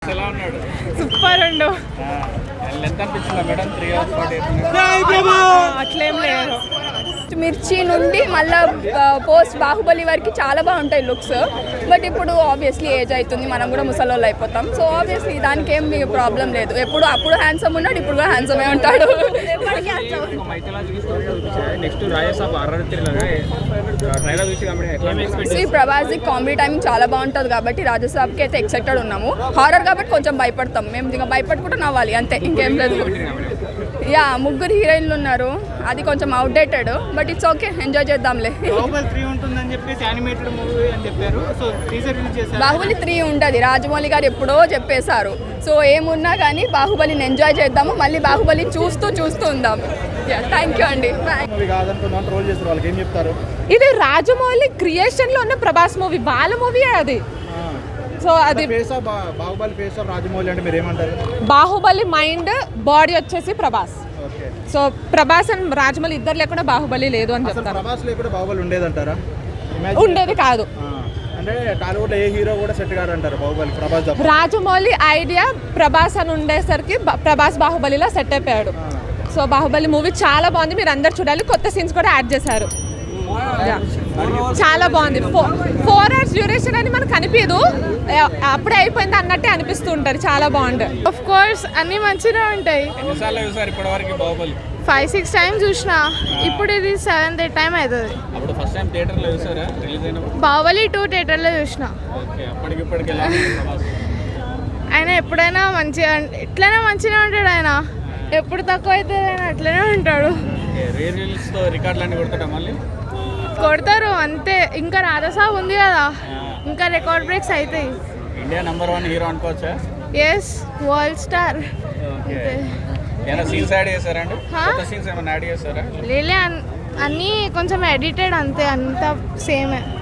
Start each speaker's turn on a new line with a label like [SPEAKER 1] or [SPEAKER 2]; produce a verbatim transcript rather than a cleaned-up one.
[SPEAKER 1] Super ఉండు. అట్లేం లేదు.
[SPEAKER 2] మిర్చి నుండి మళ్ళీ పోస్ట్ బాహుబలి వరకు చాలా బాగుంటాయి లుక్స్. బట్ ఇప్పుడు ఆబ్వియస్లీ ఏజ్ అవుతుంది, మనం కూడా ముసలోళ్ళు అయిపోతాం. సో ఆబ్వియస్లీ దానికి ఏం ప్రాబ్లం లేదు. ఎప్పుడు అప్పుడు హ్యాండ్సమ్ ఉన్నాడు, ఇప్పుడు కూడా హ్యాండ్సమే ఉంటాడు. శ్రీ ప్రభాస్ కామెడీ టైమింగ్ చాలా బాగుంటుంది కాబట్టి రాజసాబ్కి అయితే ఎక్సైటెడ్ ఉన్నాము. హారర్ కాబట్టి కొంచెం భయపడతాం మేము, ఇంకా భయపడకుండా నవ్వాలి అంతే, ఇంకేం లేదు. యా ముగ్గురు హీరోయిన్లు ఉన్నారు, అది కొంచెం outdated but it's okay, enjoy చేద్దాంలే. బాహుబలి త్రీ ఉంటుంది, రాజమౌళి గారు ఎప్పుడో చెప్పేశారు. సో ఏమున్నా కానీ బాహుబలిని ఎంజాయ్ చేద్దాము, మళ్ళీ బాహుబలి చూస్తూ చూస్తూ ఉందాం. థ్యాంక్ యూ అండి.
[SPEAKER 1] ఇది రాజమౌళి క్రియేషన్ లో ఉన్న ప్రభాస్ మూవీ, వాళ్ళ మూవీ అది. సో అది
[SPEAKER 3] బాహుబలి ఫేస్ ఆఫ్ రాజమౌళి అంటే మీరు ఏమంటారు?
[SPEAKER 1] బాహుబలి మైండ్, బాడీ వచ్చేసి ప్రభాస్. సో ప్రభాస్ అండ్ రాజమౌళి ఇద్దరు లేకుండా బాహుబలి లేదు అని చెప్తారు.
[SPEAKER 3] ప్రభాస్ లేకుండా బాహుబలి ఉండేదంటారా?
[SPEAKER 1] ఉండేది కాదు.
[SPEAKER 3] అంటే టాలీవుడ్ ఏ హీరో కూడా సెట్ కాదు అంటారు బాహుబలి ప్రభాస్.
[SPEAKER 1] రాజమౌళి ఐడియా ప్రభాస్ అని ఉండేసరికి ప్రభాస్ బాహుబలిలో సెట్ అయిపోయాడు. సో బాహుబలి మూవీ చాలా బాగుంది, మీరు అందరు చూడాలి. కొత్త సీన్స్ కూడా యాడ్ చేశారు, చాలా బాగుంది. ఫోర్ ఫోర్ అవర్స్ డ్యూరేషన్ అని మనకు అనిపించదు, అప్పుడే అయిపోయింది అన్నట్టే అనిపిస్తూ ఉంటారు. చాలా బాగుంటుంది.
[SPEAKER 4] ఆఫ్ కోర్స్ అన్ని మంచిగా ఉంటాయి. ఫైవ్ సిక్స్ టైమ్స్ చూసిన, ఇప్పుడు ఇది సెవెంత్ ఎయిట్ టైం అవుతుంది. బాహుబలి టూ థియేటర్లో చూసిన. ఆయన ఎప్పుడైనా మంచిగా, ఎట్లైనా మంచిగా ఉంటాడు ఆయన. ఎప్పుడు తక్కువ అవుతుంది ఆయన అట్లనే ఉంటాడు. కొడతారు అంతే. ఇంకా రాధాసాబ్ ఉంది కదా, ఇంకా రికార్డ్ బ్రేక్స్ అవుతాయి.
[SPEAKER 3] ఇండియా నంబర్ వన్ హీరో అనుకోవచ్చా?
[SPEAKER 4] Yes, world star. లేలే, అన్నీ కొంచెం ఎడిటెడ్ అంతే, అంతా సేమే.